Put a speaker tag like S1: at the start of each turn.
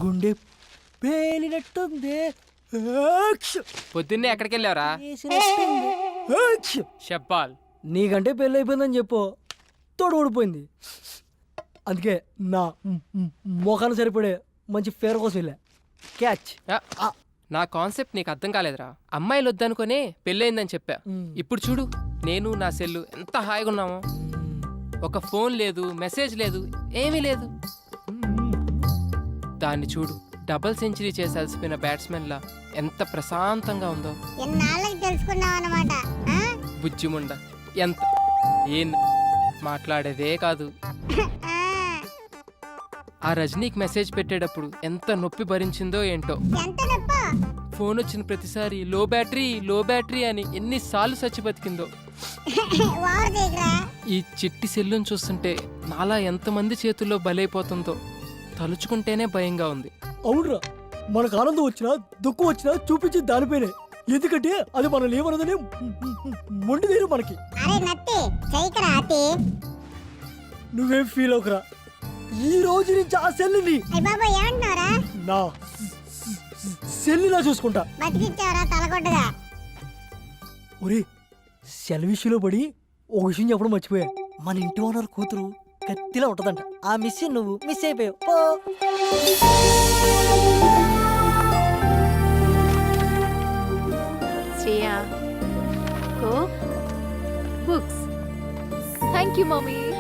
S1: గుండె పేలినట్టుంది.
S2: పొద్దున్నే ఎక్కడికి వెళ్ళావరా? షబ్బాల్.
S1: నీకంటే పెళ్ళి అయిపోయిందని చెప్పు, తోడు ఊడిపోయింది. అందుకే నా మొఖాన్ని సరిపడే మంచి ఫేర్ కోసం వెళ్ళా. క్యాచ్.
S2: నా కాన్సెప్ట్ నీకు అర్థం కాలేదురా. అమ్మాయిలు వద్దనుకునే పెళ్ళయిందని చెప్పా. ఇప్పుడు చూడు, నేను నా సెల్లు ఎంత హాయిగా ఉన్నామో. ఒక ఫోన్ లేదు, మెసేజ్ లేదు, ఏమీ లేదు. దాన్ని చూడు, డబుల్ సెంచరీ చేసి అలసిపోయిన బ్యాట్స్మెన్ లా ఎంత ప్రశాంతంగా ఉందో. బుజ్జిముండ ఎంత ఏం మాట్లాడేదే కాదు. ఆ రజనీకి మెసేజ్ పెట్టేటప్పుడు ఎంత నొప్పి భరించిందో ఏంటో. ఫోన్ వచ్చిన ప్రతిసారి లో బ్యాటరీ అని ఎన్నిసార్లు చచ్చి బతికిందో. ఈ చిట్టి సెల్లును చూస్తుంటే నాలా ఎంతమంది చేతుల్లో బలైపోతుందో తలుచుకుంటేనే భయంగా ఉంది.
S1: అవునరా, మనకు ఆనందం వచ్చినా దుఃఖం వచ్చినా చూపించి దానిపైనే. ఎందుకంటే అది మన లేవనదని మొండి తీరు మనకి. నువ్వేం ఫీల్ అవుకురా. ఈ రోజు నుంచి ఆ సెల్లుని నా సెల్లులా చూసుకుంటా. ఒరే, సెల్ విషయంలో పడి ఒక విషయం చెప్పడం మర్చిపోయా. మన ఇంటి ఓనర్ కూతురు కత్తిలా ఉంటదంట. ఆ మిస్ నువ్వు మిస్ అయిపోయావు.
S3: Shreya, books. Thank you mummy.